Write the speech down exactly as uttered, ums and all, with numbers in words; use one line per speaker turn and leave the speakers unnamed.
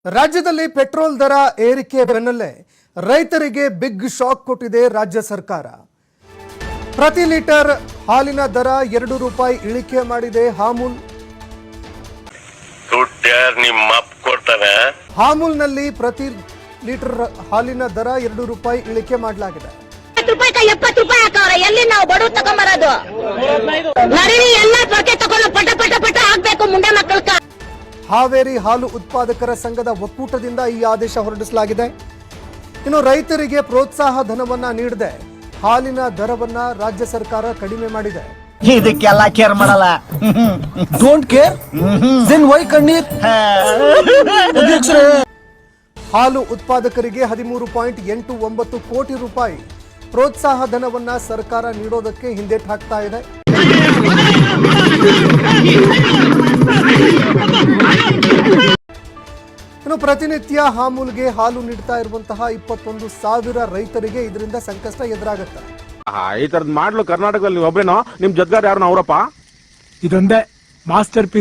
ರಾಜ್ಯದಲ್ಲಿ ಪೆಟ್ರೋಲ್ ದರ ಏರಿಕೆ ಬೆನ್ನಲ್ಲೇ ರೈತರಿಗೆ ಬಿಗ್ ಶಾಕ್ ಕೊಟ್ಟಿದೆ ರಾಜ್ಯ ಸರ್ಕಾರ. ಪ್ರತಿ ಲೀಟರ್ ಹಾಲಿನ ದರ ಎರಡು ರೂಪಾಯಿ ಇಳಿಕೆ ಮಾಡಿದೆ ಹಾಮೂಲ್. ಹಾಮೂಲ್ನಲ್ಲಿ ಪ್ರತಿ ಲೀಟರ್ ಹಾಲಿನ ದರ ಎರಡು ರೂಪಾಯಿ ಇಳಿಕೆ ಮಾಡಲಾಗಿದೆ.
ಎಪ್ಪತ್ತು ರೂಪಾಯಿ ಹಾಕವ್ರೆ. ಎಲ್ಲಿ ನಾವು ಬಡವ್ರು ತಗೊಂಬರೋದು? ಎಲ್ಲ ತಗೊಂಡು ಪಟ ಪಟ ಪಟ ಹಾಕ್ಬೇಕು ಮುಂಡೆ ಮಕ್ಕಳ.
ಹಾವೇರಿ ಹಾಲು ಉತ್ಪಾದಕರ ಸಂಘದ ಒಕ್ಕೂಟದಿಂದ ಈ ಆದೇಶ ಹೊರಡಿಸಲಾಗಿದೆ. ಇನ್ನು ರೈತರಿಗೆ ಪ್ರೋತ್ಸಾಹ ಧನವನ್ನ ನೀಡದೆ ಹಾಲಿನ ದರವನ್ನ ರಾಜ್ಯ ಸರ್ಕಾರ ಕಡಿಮೆ ಮಾಡಿದೆ.
ಇದಕ್ಕೆಲ್ಲ ಕೇರ್ ಮಾಡಲ್ಲ.
ಡೋಂಟ್ ಕೇರ್ ದೆನ್ ವೈ ಕಣ್ಣೀರ್?
ಹಾಲು ಉತ್ಪಾದಕರಿಗೆ ಹದಿಮೂರು ಪಾಯಿಂಟ್ ಎಂಟು ಒಂಬತ್ತು ಕೋಟಿ ರೂಪಾಯಿ ಪ್ರೋತ್ಸಾಹ ಧನವನ್ನ ಸರ್ಕಾರ ನೀಡೋದಕ್ಕೆ ಹಿಂದೇಟು ಹಾಕ್ತಾ ಇದೆ. ಇನ್ನು ಪ್ರತಿನಿತ್ಯ ಹಾಮೂಲ್ಗೆ ಹಾಲು ನೀಡ್ತಾ ಇರುವಂತಹ ಇಪ್ಪತ್ತೊಂದು ಸಾವಿರ ರೈತರಿಗೆ ಇದರಿಂದ ಸಂಕಷ್ಟ ಎದುರಾಗುತ್ತೆ.
ಈ ತರದ್ ಮಾಡ್ಲು ಕರ್ನಾಟಕದಲ್ಲಿ ಒಬ್ರೇನೋ ನಿಮ್ ಜೊತೆಗಾರ ಯಾರು ಅವರಪ್ಪ?
ಇದೊಂದೇ ಮಾಸ್ಟರ್ ಪೀಸ್.